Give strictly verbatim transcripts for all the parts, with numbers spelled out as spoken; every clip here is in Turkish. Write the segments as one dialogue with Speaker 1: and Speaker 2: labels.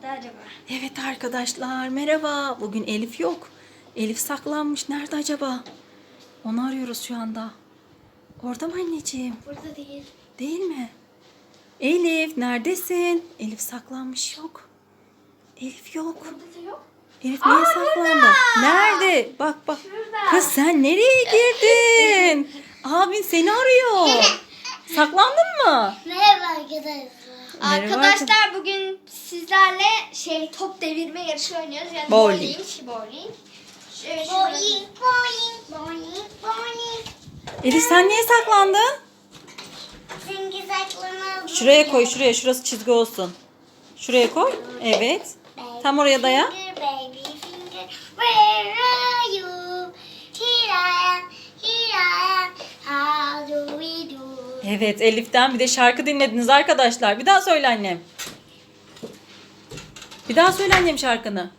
Speaker 1: acaba?
Speaker 2: Evet arkadaşlar merhaba. Bugün Elif yok. Elif saklanmış. Nerede acaba? Onu arıyoruz şu anda. Orada mı anneciğim?
Speaker 1: Burada değil.
Speaker 2: Değil mi? Elif neredesin? Elif saklanmış yok. Elif yok.
Speaker 1: Burada da yok.
Speaker 2: Elif niye
Speaker 1: Aa,
Speaker 2: saklandı?
Speaker 1: burada.
Speaker 2: Nerede? Bak bak.
Speaker 1: Şurada.
Speaker 2: Kız sen nereye girdin? Abin seni arıyor. Saklandın mı?
Speaker 3: Merhaba arkadaşlar.
Speaker 2: Merhaba
Speaker 1: Arkadaşlar bugün sizlerle şey top devirme yarışı oynuyoruz. Yani
Speaker 2: Bowling.
Speaker 1: bowling. şey, bowling. Evet, şurada.
Speaker 3: Boing boing boing boing.
Speaker 2: Elif sen niye saklandın?
Speaker 3: Çünkü saçlarını
Speaker 2: Şuraya koy şuraya. Şurası çizgi olsun. Şuraya koy. Evet. Tam oraya daya.
Speaker 3: Finger, baby finger, where are you? Here I am, here I am. How do we do?
Speaker 2: Evet Elif'ten bir de şarkı dinlediniz arkadaşlar. Bir daha söyle annem. Bir daha söyle annem şarkını.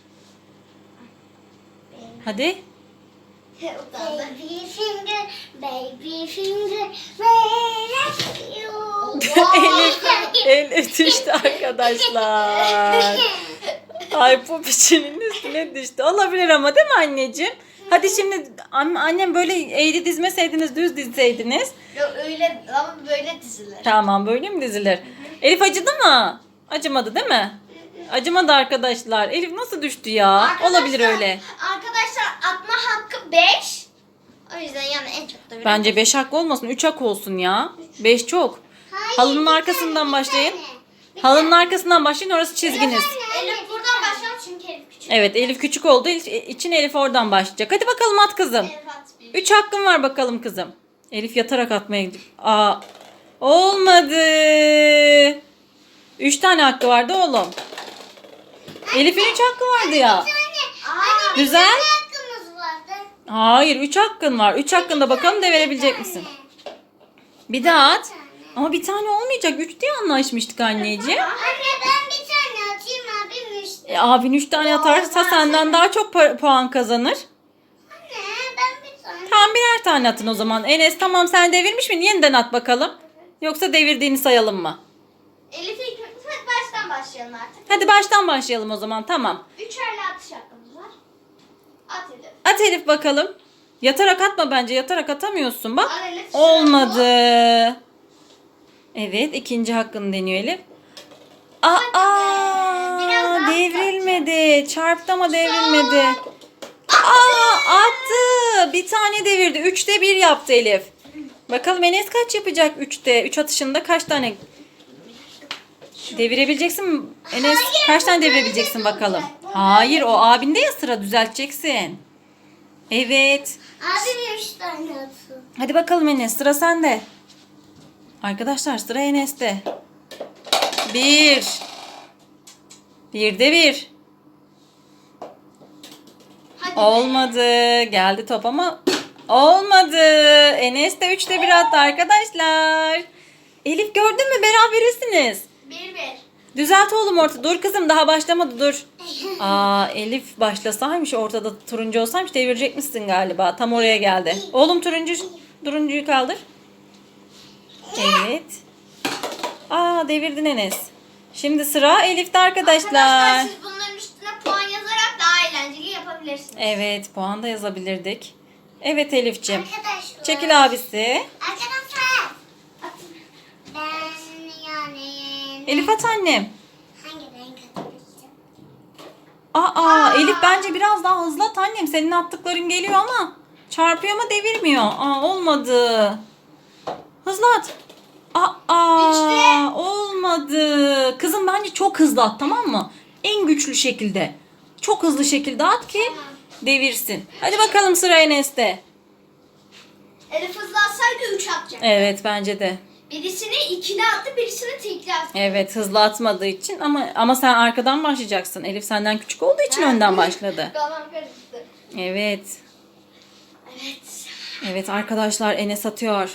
Speaker 2: Hadi.
Speaker 1: Utandı.
Speaker 3: Baby finger, baby finger, where are you?
Speaker 2: Elif, Elif düştü arkadaşlar. Ay popişinin üstüne düştü. Olabilir ama değil mi anneciğim? Hadi şimdi an- annem böyle eğri dizmeseydiniz düz dizseydiniz.
Speaker 1: Yok öyle ama böyle dizilir.
Speaker 2: Tamam böyle mi dizilir? Elif acıdı mı? Acımadı değil mi? Acımadı arkadaşlar. Elif nasıl düştü ya?
Speaker 1: Arkadaşlar-
Speaker 2: Olabilir öyle.
Speaker 1: Arkadaşlar atma hakkı beş. O yüzden yani en çok da bir.
Speaker 2: Bence beş hak olmasın. üç hak olsun ya. beş çok. Halının arkasından başlayın. Halının arkasından başlayın. Orası çizginiz.
Speaker 1: Elif buradan başlayalım çünkü Elif küçük.
Speaker 2: Evet Elif küçük olduğu için Elif oradan başlayacak. Hadi bakalım at kızım.
Speaker 1: Elif at bir.
Speaker 2: üç hakkın var bakalım kızım. Elif yatarak atmaya gidiyor. Aa, olmadı. üç tane hakkı vardı oğlum. Elif'in üç hakkı vardı ya.
Speaker 3: Anne,
Speaker 1: Aa,
Speaker 2: Güzel.
Speaker 3: ne hakkımız vardı?
Speaker 2: Hayır üç hakkın var. üç hakkında bakalım devirebilecek misin? Bir daha at. Ama bir tane olmayacak. üç diye anlaşmıştık anneciğim.
Speaker 3: Anne ben bir tane atayım abim üstüne.
Speaker 2: E, abin üç tane atarsa senden daha çok pa- puan kazanır.
Speaker 3: Anne ben bir tane.
Speaker 2: Tamam birer tane atın o zaman. Enes tamam sen devirmiş mi? Yeniden at bakalım. Yoksa devirdiğini sayalım mı?
Speaker 1: Elif ilk hadi baştan başlayalım artık.
Speaker 2: Hadi baştan başlayalım o zaman tamam.
Speaker 1: Üçerli atış hakkımız var. At Elif.
Speaker 2: At Elif bakalım. Yatarak atma bence. Yatarak atamıyorsun bak.
Speaker 1: Al Elif,
Speaker 2: Olmadı. Evet ikinci hakkını deniyor Elif. Aa,
Speaker 1: Biraz daha
Speaker 2: devrilmedi. Çarptı ama devrilmedi. Aa, attı. Bir tane devirdi. Üçte bir yaptı Elif. Bakalım Enes kaç yapacak üçte? Üç atışında kaç tane devirebileceksin mi? Enes kaç tane devirebileceksin bakalım. Hayır o abinde ya sıra düzelteceksin. Evet.
Speaker 3: Abim üç tane atsın.
Speaker 2: Hadi bakalım Enes sıra sende. Arkadaşlar sıra Enes'te. Bir. Birde bir.
Speaker 1: Hadi.
Speaker 2: Olmadı. Geldi top ama olmadı. Enes de üçte bir attı arkadaşlar. Elif gördün mü berabersiniz.
Speaker 1: Bir bir.
Speaker 2: Düzelt oğlum orta. Dur kızım daha başlamadı dur. Aa Elif başlasaymış ortada turuncu olsaymış devirecekmişsin galiba. Tam oraya geldi. Oğlum turuncu turuncuyu kaldır. Evet. Aa devirdin Enes. Şimdi sıra Elif'te arkadaşlar.
Speaker 1: Arkadaşlar siz bunların üstüne puan yazarak daha eğlenceli yapabilirsiniz.
Speaker 2: Evet puan da yazabilirdik. Evet Elif'ciğim.
Speaker 3: Arkadaşlar.
Speaker 2: Çekil abisi.
Speaker 3: Arkadaşlar. Ben yani.
Speaker 2: Elif at annem.
Speaker 3: Hangi renk atabilirim?
Speaker 2: Aa, Elif bence biraz daha hızlı at annem. Senin attıkların geliyor ama çarpıyor ama devirmiyor. Aa olmadı. Hızlı at. Aa
Speaker 1: İşte.
Speaker 2: olmadı. Kızım bence çok hızlı at tamam mı? En güçlü şekilde. Çok hızlı şekilde at ki devirsin. Hadi bakalım sıra Enes'te.
Speaker 1: Elif hızlı atsaydı üç atacak.
Speaker 2: Evet bence de.
Speaker 1: Birisini ikili attı, birisini tekli attı.
Speaker 2: Evet hızlı atmadığı için ama ama sen arkadan başlayacaksın. Elif senden küçük olduğu için önden başladı.
Speaker 1: Kafam karıştı.
Speaker 2: Evet.
Speaker 1: Evet.
Speaker 2: Evet arkadaşlar Enes atıyor.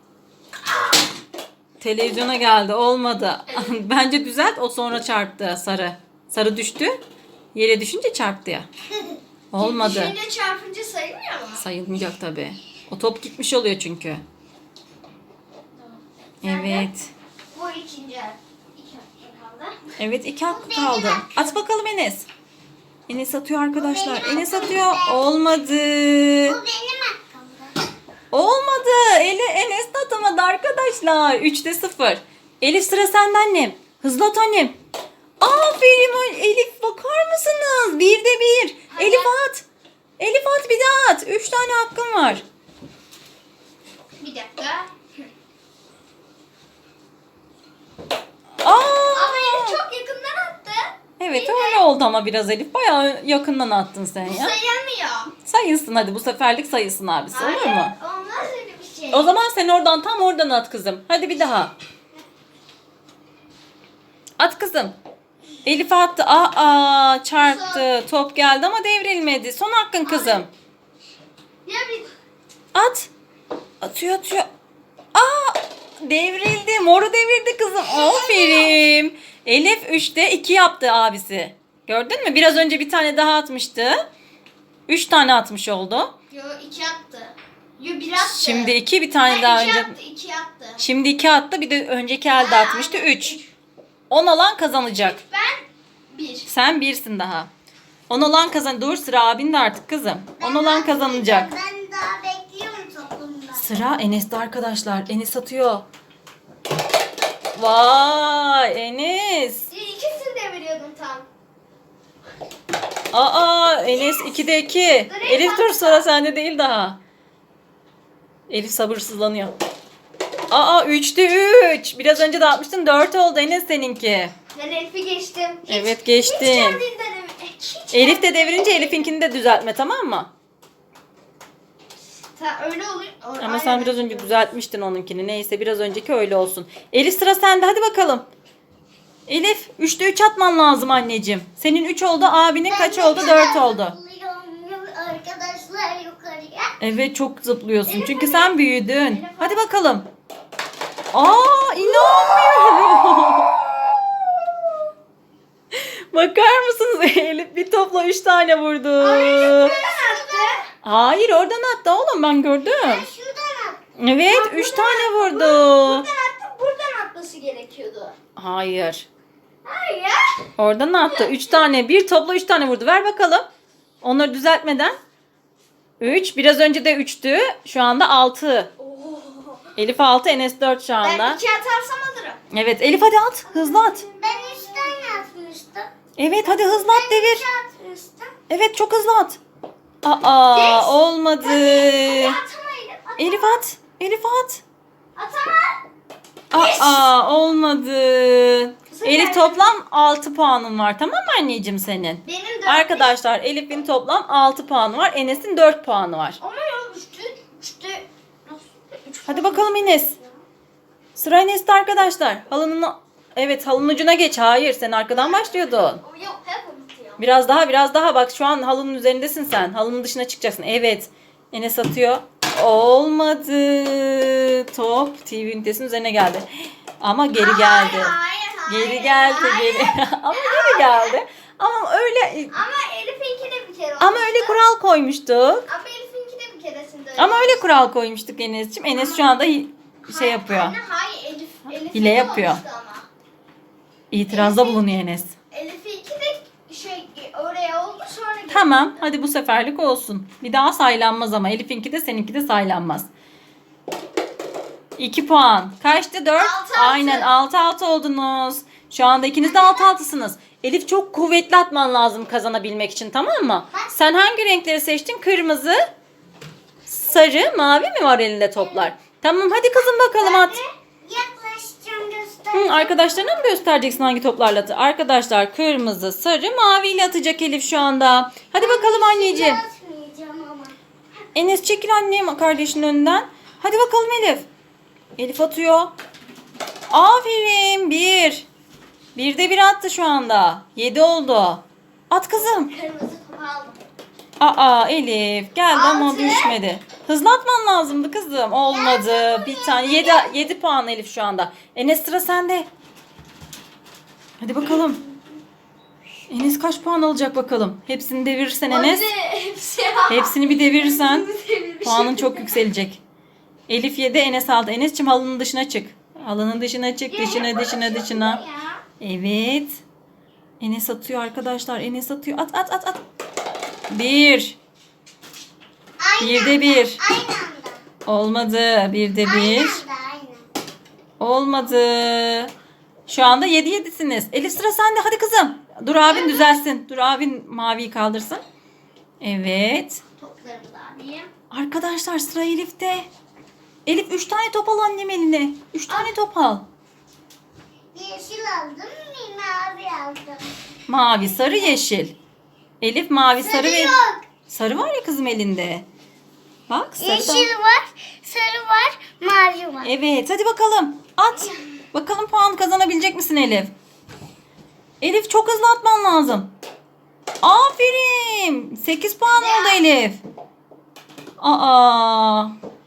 Speaker 2: Televizyona geldi olmadı. Bence düzelt o sonra çarptı sarı. Sarı düştü. Yere düşünce çarptı ya. Olmadı.
Speaker 1: Düşünce çarpınca sayılmıyor mu?
Speaker 2: Sayılmayacak tabii. O top gitmiş oluyor çünkü. Evet.
Speaker 1: Bu ikinci. İki hakkı kaldı. kaldı.
Speaker 2: Evet iki hakkı kaldı. At bakalım Enes. Enes atıyor arkadaşlar. Enes atıyor. Olmadı.
Speaker 3: Bu benim hakkımda.
Speaker 2: Olmadı. Eli Enes de atamadı arkadaşlar. üçte sıfır. Elif sıra sende annem. Hızlı at annem. Aferin Elif, bakar mısınız? Birde bir.
Speaker 1: Hadi.
Speaker 2: Elif at. Elif at, bir daha at. Üç tane hakkın var.
Speaker 1: Bir dakika.
Speaker 2: Aa!
Speaker 1: Ama Elif çok yakından attı.
Speaker 2: Evet öyle oldu ama biraz Elif. Bayağı yakından attın sen
Speaker 1: Bu
Speaker 2: ya.
Speaker 1: sayılmıyor.
Speaker 2: Sayılsın hadi, bu seferlik sayılsın abisi, olur mu?
Speaker 1: Olmaz öyle bir şey.
Speaker 2: O zaman sen oradan, tam oradan at kızım. Hadi bir daha. At kızım. Elif attı. Aa, çarptı. Top geldi ama devrilmedi. Son hakkın kızım.
Speaker 1: Ya bir
Speaker 2: At. Atıyor atıyor. Aa, devrildi. Moru devirdi kızım. Aferin. Elif üçte iki yaptı abisi. Gördün mü? Biraz önce bir tane daha atmıştı. üç tane atmış oldu.
Speaker 1: yo iki attı. Yo bir attı.
Speaker 2: Şimdi iki, bir tane
Speaker 1: Ha,
Speaker 2: daha
Speaker 1: iki
Speaker 2: önce.
Speaker 1: attı, iki attı.
Speaker 2: Şimdi iki attı. Bir de önceki elde
Speaker 1: Ha,
Speaker 2: atmıştı.
Speaker 1: aynen.
Speaker 2: üç. on alan kazanacak.
Speaker 1: Ben bir.
Speaker 2: Sen birsin daha. on olan kazan. Dur, sıra abinde artık kızım. on olan kazanacak.
Speaker 3: Ben daha bekliyorum topumda.
Speaker 2: Sıra Enes'te arkadaşlar. Enes atıyor. Vay Enes.
Speaker 1: İkisini de veriyordum tam.
Speaker 2: Aa, Enes ikide iki.
Speaker 1: Dur,
Speaker 2: Elif
Speaker 1: Elif
Speaker 2: dur,
Speaker 1: atma.
Speaker 2: sıra sende değil daha. Elif sabırsızlanıyor. Aa, üçte üç. Biraz önce de atmıştın, dört oldu Enes seninki.
Speaker 1: Ben Elif'i geçtim. Hiç-
Speaker 2: Evet, geçtin.
Speaker 1: Hiç kendinden emin. Hiç
Speaker 2: Elif de devirince Elif'inkini de düzeltme, tamam mı?
Speaker 1: Ta, öyle oluyor. O-
Speaker 2: Ama sen
Speaker 1: aynen.
Speaker 2: biraz önce düzeltmiştin onunkini. Neyse, biraz önceki öyle olsun. Elif sıra sende, hadi bakalım. Elif üçte üç atman lazım anneciğim. Senin üç oldu, abinin kaç oldu? dört oldu.
Speaker 3: Arkadaşlar yukarıya.
Speaker 2: Evet, çok zıplıyorsun.
Speaker 1: Elif
Speaker 2: Çünkü
Speaker 1: hadi.
Speaker 2: sen büyüdün.
Speaker 1: Elif
Speaker 2: Hadi bakalım. Aa, inanmıyorum. Bakar mısınız? Elif bir topla üç tane vurdu.
Speaker 1: Buradan attı.
Speaker 2: Hayır, oradan attı oğlum, ben gördüm.
Speaker 3: Şuradan at.
Speaker 2: Evet, üç tane vurdu.
Speaker 1: Buradan attı. Buradan atması gerekiyordu.
Speaker 2: Hayır.
Speaker 1: Hayır.
Speaker 2: Oradan attı. Üç tane. Bir topla üç tane vurdu. Ver bakalım. Onları düzeltmeden. Üç. Biraz önce de üçtü. Şu anda altı.
Speaker 1: Oo.
Speaker 2: Elif altı, Enes dört şu
Speaker 1: Ben
Speaker 2: anda.
Speaker 1: iki atarsam alırım.
Speaker 2: Evet, Elif hadi at. Hızlı at.
Speaker 3: Ben üç tane atmıştım.
Speaker 2: Evet, hadi hızlı at, devir.
Speaker 3: Üç atmıştım.
Speaker 2: Evet, çok hızlı at. Aa,
Speaker 1: Geç.
Speaker 2: olmadı.
Speaker 1: Hadi atama Elif. At.
Speaker 2: Elif at. Elif at.
Speaker 1: Atama.
Speaker 2: Aa, olmadı.
Speaker 1: sefer
Speaker 2: Elif
Speaker 1: de-
Speaker 2: toplam altı puanın var. Tamam mı anneciğim senin?
Speaker 1: Benim de
Speaker 2: Arkadaşlar, Elif'in toplam altı puanı var. Enes'in dört puanı var.
Speaker 1: Ama ya üçtü. Üçtü. Nasıl? Üç
Speaker 2: Hadi bakalım Enes. Sıra Enes'te arkadaşlar. Halının Evet, halının ucuna geç. Hayır, sen arkadan başlıyordun.
Speaker 1: O yok hep unutuyorum.
Speaker 2: Biraz daha, biraz daha. Bak şu an halının üzerindesin sen. Halının dışına çıkacaksın. Evet. Enes atıyor. Olmadı. Top T V ünitesinin üzerine geldi. Ama geri geldi.
Speaker 1: Hayır, hayır, hayır.
Speaker 2: Geri geldi,
Speaker 1: hayır.
Speaker 2: geri. Ama geri geldi. Ama öyle
Speaker 1: Ama Elif'inki de bir kere olmuştu.
Speaker 2: ama öyle kural koymuştuk.
Speaker 1: Ama Elif'inki de bir keresinde öyle.
Speaker 2: Ama öyle kural koymuştuk Enes'ciğim. Enes şu anda hi- şey yapıyor.
Speaker 1: Anne hayır Elif. Elif'inki
Speaker 2: Hile
Speaker 1: de
Speaker 2: yapıyor.
Speaker 1: olmuştu ama.
Speaker 2: İtirazda bulunuyor Enes.
Speaker 1: Elif'inki de şey oraya oldu sonra geldi.
Speaker 2: Tamam, hadi bu seferlik olsun. Bir daha saylanmaz ama. Elif'inki de seninki de saylanmaz. iki puan. Kaçtı? dört.
Speaker 1: Altı altı.
Speaker 2: Aynen, altı altı oldunuz. Şu anda ikiniz de altı altısınız. Elif, çok kuvvetli atman lazım kazanabilmek için, tamam mı? Sen hangi renkleri seçtin? Kırmızı, sarı, mavi mi var elinde toplar? Tamam, hadi kızım bakalım at.
Speaker 3: Yaklaşacağım göster.
Speaker 2: Hı, arkadaşlarına mı göstereceksin hangi toplarla atı? Arkadaşlar, kırmızı, sarı, maviyle atacak Elif şu anda. Hadi bakalım anneciğim.
Speaker 3: Atmayacağım ama.
Speaker 2: Enes çekil annem kardeşinin önünden. Hadi bakalım Elif. Elif atıyor. Aferin. Bir. Bir de bir attı şu anda. Yedi oldu. At kızım.
Speaker 1: Kırmızı topu aldım.
Speaker 2: Aa, Elif geldi ama
Speaker 1: Altı.
Speaker 2: düşmedi. Hızlı atman lazımdı kızım. Olmadı. Bir tane. Yedi, yedi puan Elif şu anda. Enes, sıra sende. Hadi bakalım. Enes kaç puan alacak bakalım. Hepsini devirirsen Enes.
Speaker 1: Hadi hepsi ya.
Speaker 2: Hepsini bir devirirsen
Speaker 1: Devirmiş.
Speaker 2: puanın çok yükselecek. Elif yedi, Enes aldı. Enes'cim halının dışına çık. Halının dışına çık, dışına, dışına, dışına. Evet. Enes atıyor arkadaşlar. Enes atıyor. At at at at. Bir.
Speaker 3: Aynı
Speaker 2: Bir de
Speaker 3: anda,
Speaker 2: bir.
Speaker 3: Aynı anda.
Speaker 2: Olmadı. Bir de
Speaker 3: Aynı
Speaker 2: bir.
Speaker 3: anda, aynı.
Speaker 2: Olmadı. Şu anda yedi yedisiniz. Elif sıra sende. Hadi kızım. Dur abin düzelsin. Dur abin maviyi kaldırsın. Evet.
Speaker 1: Toplarımı da alayım.
Speaker 2: Arkadaşlar sıra Elif'te. Elif üç tane top al annem eline. üç tane top al.
Speaker 3: Yeşil aldım, bir mavi aldım.
Speaker 2: Mavi, sarı, yeşil. Elif mavi, sarı,
Speaker 3: Sarı
Speaker 2: ve...
Speaker 3: yok.
Speaker 2: Sarı var ya kızım elinde. Bak sarı da-
Speaker 3: Yeşil var, sarı var, mavi var.
Speaker 2: Evet hadi bakalım. At. Bakalım puan kazanabilecek misin Elif? Elif çok hızlı atman lazım. Aferin. sekiz puan oldu Elif. Aa.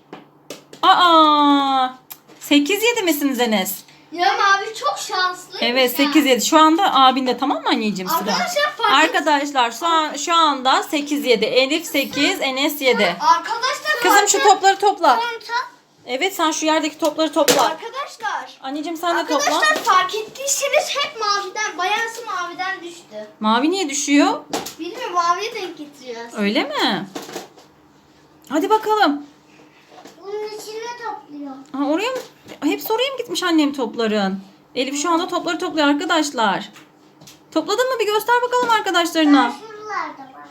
Speaker 2: Aa. sekiz yedi misiniz Enes?
Speaker 1: Ya abi çok şanslı.
Speaker 2: Evet sekiz yedi. Şu anda abin de tamam mı anneciğim sıra?
Speaker 1: Arkadaşlar fark et-
Speaker 2: Arkadaşlar şu, an, şu anda sekiz yedi. Elif sekiz, Enes yedi.
Speaker 1: Arkadaşlar
Speaker 2: Kızım şu topları topla.
Speaker 3: Kontrol.
Speaker 2: Evet sen şu yerdeki topları topla.
Speaker 1: Arkadaşlar.
Speaker 2: Anneciğim sen de topla.
Speaker 1: Arkadaşlar fark ettiyseniz hep maviden, bayağısı maviden düştü.
Speaker 2: Mavi niye düşüyor?
Speaker 1: Bilmiyorum, maviye denk getiriyoruz.
Speaker 2: Öyle mi? Hadi bakalım.
Speaker 3: Bunun içine topluyor.
Speaker 2: Ha, oraya mı? Hepsi oraya mı gitmiş annem topların? Elif şu anda topları topluyor arkadaşlar. Topladın mı? Bir göster bakalım arkadaşlarına.
Speaker 3: Şuralarda var.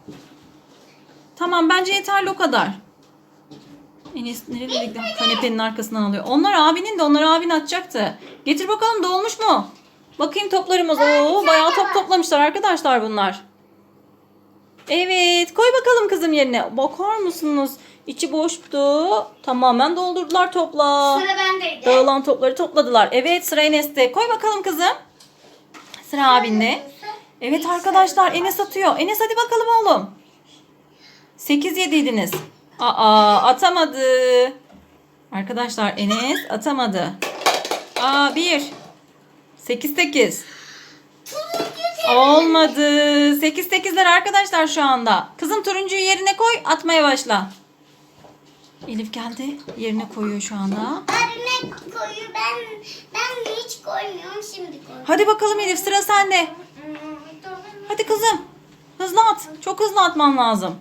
Speaker 2: Tamam bence yeterli o kadar. Enes nereye gitti? Kanepenin arkasından alıyor. Onlar abinin de onlar abin atacaktı. Getir bakalım dolmuş mu? Bakayım toplarımız. Oo bayağı top toplamışlar arkadaşlar bunlar. Evet koy bakalım kızım yerine. Bakar mısınız? İçi boştu. Tamamen doldurdular topla.
Speaker 1: Sıra bendeydi.
Speaker 2: Dağılan topları topladılar. Evet sıra Enes'te. Koy bakalım kızım. Sıra abinde. Evet arkadaşlar Enes atıyor. Enes hadi bakalım oğlum. sekiz yediydiniz. Aa atamadı. Arkadaşlar Enes atamadı. Aa bir. sekiz sekiz. Olmadı. sekiz sekizler arkadaşlar şu anda. Kızım turuncuyu yerine koy. Atmaya başla. Elif geldi. Yerine koyuyor şu anda.
Speaker 3: Abime koyuyor. Ben ben de hiç koymuyorum. Şimdi koyuyorum.
Speaker 2: Hadi bakalım Elif sıra sende. Hadi kızım. Hızlı at. Çok hızlı atman lazım.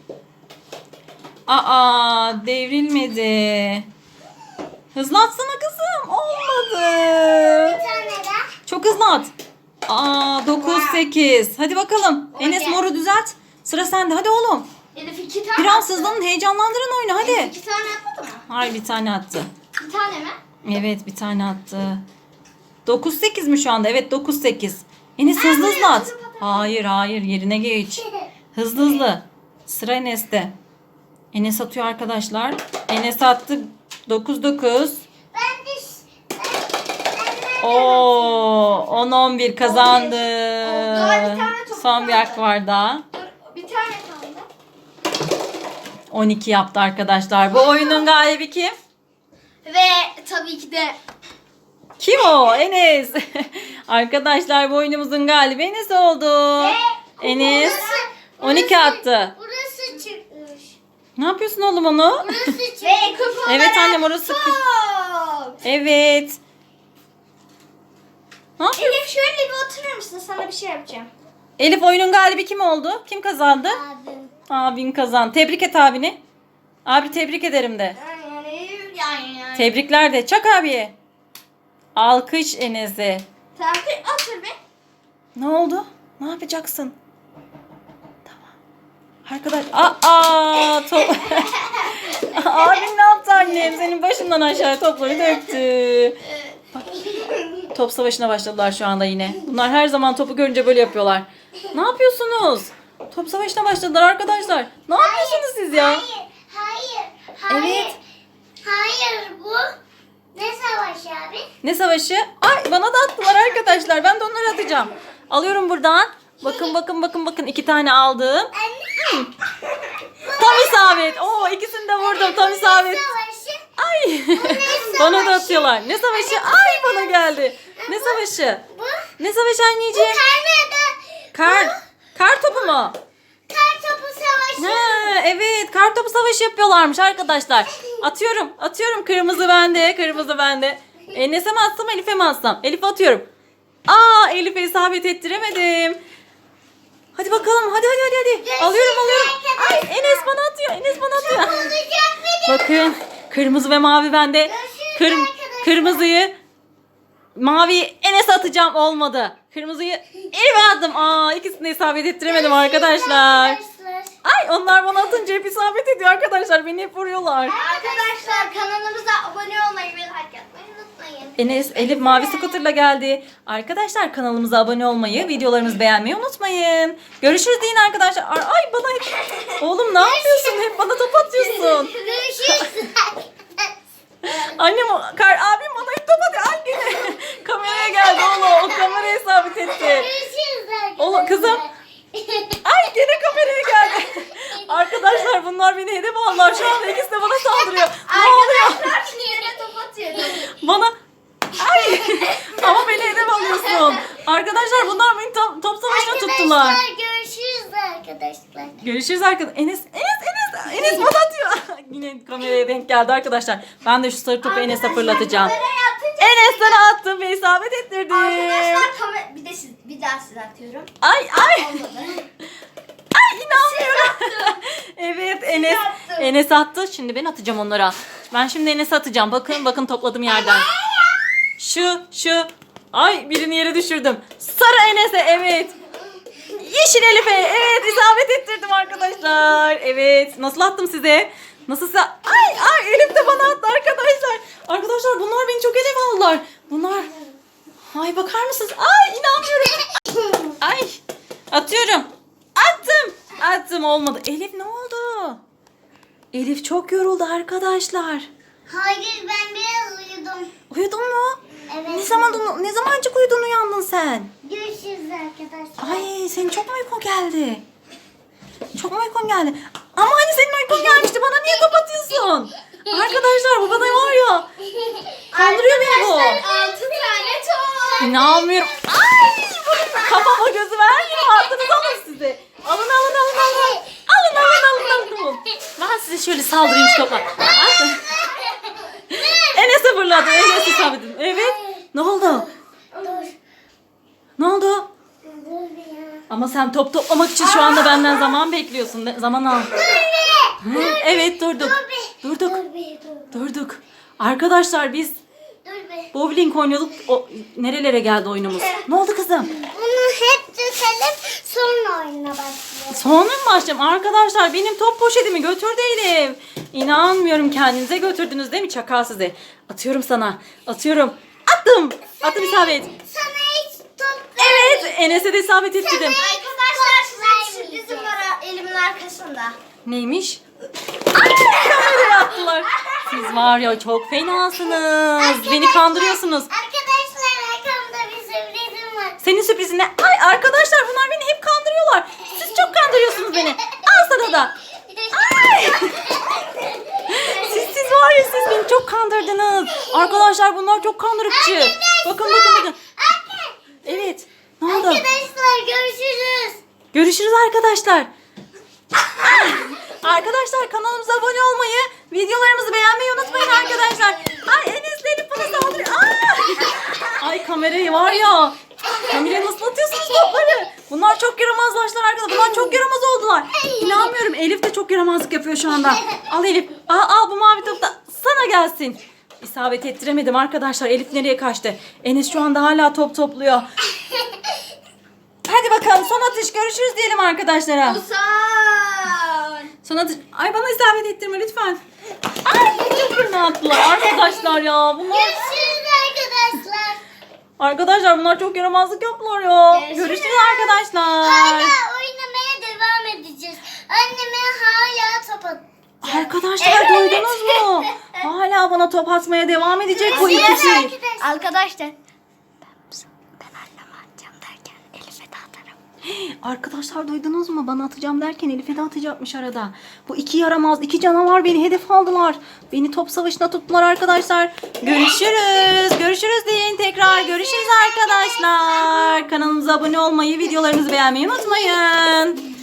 Speaker 2: Aa devrilmedi. Hızlı atsana kızım. Olmadı.
Speaker 3: Bir tane daha.
Speaker 2: Çok hızlı at. Aa dokuz sekiz. Hadi bakalım. Enes
Speaker 1: Okey.
Speaker 2: moru düzelt. Sıra sende. Hadi oğlum.
Speaker 1: Elif iki tane
Speaker 2: Biraz
Speaker 1: attı.
Speaker 2: hızlanın. Heyecanlandırın oyunu.
Speaker 1: Elif
Speaker 2: Hadi.
Speaker 1: iki tane atmadı mı?
Speaker 2: Hayır bir tane attı.
Speaker 1: Bir tane mi?
Speaker 2: Evet bir tane attı. dokuz sekiz mi şu anda? Evet dokuz sekiz. Enes hızlı hızlı at. Hayır hayır yerine geç. Hızlı hızlı. Sıra Enes'te. Enes atıyor arkadaşlar. Enes attı. dokuz dokuz.
Speaker 3: Ben de ben, ben
Speaker 2: Oo on on bir kazandı.
Speaker 1: Daha bir tane top
Speaker 2: Son bir
Speaker 1: kaldı.
Speaker 2: hak var daha.
Speaker 1: Dur, bir tane kaldı.
Speaker 2: on iki yaptı arkadaşlar. Bu oyunun galibi kim?
Speaker 1: Ve tabii ki de
Speaker 2: Kim o? Enes. Arkadaşlar bu oyunumuzun galibi Enes oldu. Enes on iki attı.
Speaker 3: Burası çıkmış.
Speaker 2: Ne yapıyorsun oğlum onu?
Speaker 3: Burası çıkmış.
Speaker 1: ve kupa
Speaker 2: Evet
Speaker 1: olarak
Speaker 2: annem orası.
Speaker 1: top.
Speaker 2: Evet. Ne yapıyorsun?
Speaker 1: Elif şöyle bir oturur musun? Sana bir şey yapacağım.
Speaker 2: Elif oyunun galibi kim oldu? Kim kazandı?
Speaker 3: Abim.
Speaker 2: Abin kazandı. Tebrik et abini. Abi tebrik ederim de.
Speaker 1: Yani yani yani.
Speaker 2: Tebrikler de. Çak abiye. Alkış Enes'e.
Speaker 1: Tamam otur be.
Speaker 2: Ne oldu? Ne yapacaksın? Tamam. Arkadaş. Aa top. Abin ne yaptı annem? Senin başından aşağı topları döktü. Bak, top savaşına başladılar şu anda yine. Bunlar her zaman topu görünce böyle yapıyorlar. Ne yapıyorsunuz? Top savaşına başladılar arkadaşlar. Ne yapıyorsunuz siz ya?
Speaker 3: Hayır, hayır, hayır.
Speaker 2: Evet.
Speaker 3: Hayır bu. Ne savaşı abi?
Speaker 2: Ne savaşı? Ay bana da attılar arkadaşlar. Ben de onları atacağım. Alıyorum buradan. Bakın bakın bakın bakın. iki tane aldım.
Speaker 3: Anne.
Speaker 2: Tam isabet. Oo ikisini de vurdum. Tam isabet.
Speaker 3: Savaşı.
Speaker 2: Ay.
Speaker 3: ne
Speaker 2: Bana da
Speaker 3: savaşı?
Speaker 2: atıyorlar. Ne savaşı? Ay bana geldi. Ne savaşı?
Speaker 3: Bu.
Speaker 2: Ne savaşı anneciğim?
Speaker 3: Karnada.
Speaker 2: Kar. Kar topu mu?
Speaker 3: Kar topu savaşı.
Speaker 2: Ha, evet kar topu savaşı yapıyorlarmış arkadaşlar. Atıyorum. Atıyorum. Kırmızı bende. Kırmızı bende. Enes'e mi atsam Elif'e mi atsam? Elif atıyorum. Aa, Elif'e isabet ettiremedim. Hadi bakalım. Hadi hadi hadi hadi. Alıyorum alıyorum. Ay, Enes bana atıyor. Enes bana atıyor. Bakın, kırmızı ve mavi bende. Kır, kırmızıyı maviyi Enes'e atacağım, olmadı. Kırmızıyı Elif'e attım. Aa, ikisini de isabet ettiremedim arkadaşlar. Ay, onlar bana atınca hep isabet ediyor arkadaşlar. Beni hep vuruyorlar.
Speaker 1: Arkadaşlar kanalımıza abone olmayı ve like atmayı unutmayın.
Speaker 2: Enes, Elif mavi scooter'la geldi. Arkadaşlar kanalımıza abone olmayı, videolarımızı beğenmeyi unutmayın. Görüşürüz deyin arkadaşlar. Ay, bana hep... Oğlum ne yapıyorsun? Hep bana top atıyorsun.
Speaker 3: Görüşürüz.
Speaker 2: Annem, kar, abim bana hep top atıyor. Ay gene. Kameraya geldi oğlum. O kameraya isabet etti.
Speaker 3: Görüşürüz arkadaşlar.
Speaker 2: Oğlum, kızım. Ay gene kameraya geldi. Arkadaşlar bunlar beni hedef aldılar. Şu anda ikisi de bana saldırıyor. Ne oluyor?
Speaker 1: Arkadaşlar yere top atıyorum.
Speaker 2: Bana... Ay. Ama beni hedef alıyorsun. Arkadaşlar bunlar beni top, top savaşına tuttular.
Speaker 3: Arkadaşlar görüşürüz arkadaşlar.
Speaker 2: Görüşürüz arkadaşlar. Enes, Enes, Enes, Enes bana atıyor. Yine kameraya denk geldi arkadaşlar. Ben de şu sarı topu Enes'e fırlatacağım.
Speaker 1: Kameraya atınca
Speaker 2: Enes sana attım ve isabet ettirdim.
Speaker 1: arkadaşlar kamera bir de siz bir daha size atıyorum.
Speaker 2: Ay ay.
Speaker 1: Olmadı.
Speaker 2: Ay inanmıyorum. Evet Enes.
Speaker 1: attım.
Speaker 2: Enes attı. Şimdi ben atacağım onlara. Ben şimdi Enes'e atacağım. Bakın bakın topladım yerden. Şu şu. Ay birini yere düşürdüm. Sarı Enes'e, evet. Yeşil Elif'e, evet, isabet ettirdim arkadaşlar. Evet, nasıl attım size? Nasıl size? Ay ay, Elif de bana attı arkadaşlar. Arkadaşlar bunlar beni çok hedef aldılar. Bunlar. Ay bakar mısınız? Ay inanmıyorum. Ay atıyorum. Attım. Attım, olmadı. Elif ne oldu? Elif çok yoruldu arkadaşlar.
Speaker 3: Hayır ben biraz uyudum.
Speaker 2: Uyudun mu?
Speaker 3: Evet.
Speaker 2: Ne zaman ne zamancık uyudun, uyandın sen?
Speaker 3: Görüşürüz arkadaşlar.
Speaker 2: Ay senin çok mu uykun geldi? Çok mu uykun geldi? Ama hani senin uykun gelmişti, bana niye top atıyorsun? Arkadaşlar bu bana var ya. Kandırıyor beni bu.
Speaker 1: Altı tane top.
Speaker 2: İnanmıyorum. Ay bunun kafama gözü vermiyor. Attınız alın size. Alın alın alın alın. Alın alın alın alın. Ben size şöyle saldırayım şu topa. Atın. Enes'e fırladı. Enes'e sabittim. Evet. Ne oldu?
Speaker 3: Dur.
Speaker 2: Ne oldu?
Speaker 3: Dur ya.
Speaker 2: Ama sen top toplamak için şu anda benden zaman bekliyorsun. Ne- Zaman al. Hı, evet durduk. Durduk.
Speaker 3: Dur be dur.
Speaker 2: Durduk. Arkadaşlar biz
Speaker 3: Dur be.
Speaker 2: bowling oynuyorduk. O, nerelere geldi oyunumuz? Ne oldu kızım?
Speaker 3: Bunu hep düzelim sonra oyuna başlayalım.
Speaker 2: Sonra mı başlayayım? Arkadaşlar benim top poşetimi götürdü Elif. İnanmıyorum, kendinize götürdünüz değil mi? Çakal size. Atıyorum sana. Atıyorum. Attım. Attım, isabet.
Speaker 3: Sana hiç top
Speaker 2: Evet. Enes'e de isabet ettirdim.
Speaker 1: Arkadaşlar size bir sürprizim var elimin arkasında.
Speaker 2: Neymiş? Ay, kameraya attılar. Siz var ya çok fenasınız. Beni kandırıyorsunuz.
Speaker 3: Arkadaşlar arkamda bir sürprizim var.
Speaker 2: Senin sürprizin ne? Ay arkadaşlar bunlar beni hep kandırıyorlar. Siz çok kandırıyorsunuz beni. Al sana da. Ay. Siz siz var ya, siz beni çok kandırdınız. Arkadaşlar bunlar çok kandırıkçı. Bakın bakın bakın. Evet. Ne oldu?
Speaker 3: Arkadaşlar görüşürüz.
Speaker 2: Görüşürüz arkadaşlar. Arkadaşlar kanalımıza abone olmayı, videolarımızı beğenmeyi unutmayın arkadaşlar. Ay Enes Elif bana saldırıyor. Aa! Ay kamerayı var ya. Kamerayı nasıl atıyorsunuz topları? Bunlar çok yaramazlaştılar arkadaşlar. Bunlar çok yaramaz oldular. İnanmıyorum, Elif de çok yaramazlık yapıyor şu anda. Al Elif. Al, al bu mavi top da sana gelsin. İsabet ettiremedim arkadaşlar. Elif nereye kaçtı? Enes şu anda hala top topluyor. Hadi bakalım son atış, görüşürüz diyelim arkadaşlara.
Speaker 1: Usan.
Speaker 2: Son atış. Ay bana isabet ettirme lütfen. Ay çok fırına attılar arkadaşlar ya. Bunlar...
Speaker 3: Görüşürüz arkadaşlar.
Speaker 2: Arkadaşlar bunlar çok yaramazlık yaptılar ya.
Speaker 1: Görüşürüz.
Speaker 2: Görüşürüz arkadaşlar.
Speaker 3: Hala oynamaya devam edeceğiz. Anneme hala top at.
Speaker 2: Arkadaşlar duydunuz mu? Hala bana top atmaya devam edecek bu ikisi.
Speaker 3: Arkadaşlar.
Speaker 1: Arkadaşlar.
Speaker 3: Ben anneme atacağım derken Elif'e de atarım.
Speaker 2: Arkadaşlar duydunuz mu? Bana atacağım derken Elif'e de atacakmış arada. Bu iki yaramaz, iki canavar beni hedef aldılar. Beni top savaşına tuttular arkadaşlar. Görüşürüz. Görüşürüz deyin tekrar. Görüşürüz arkadaşlar. Kanalımıza abone olmayı, videolarımızı beğenmeyi unutmayın.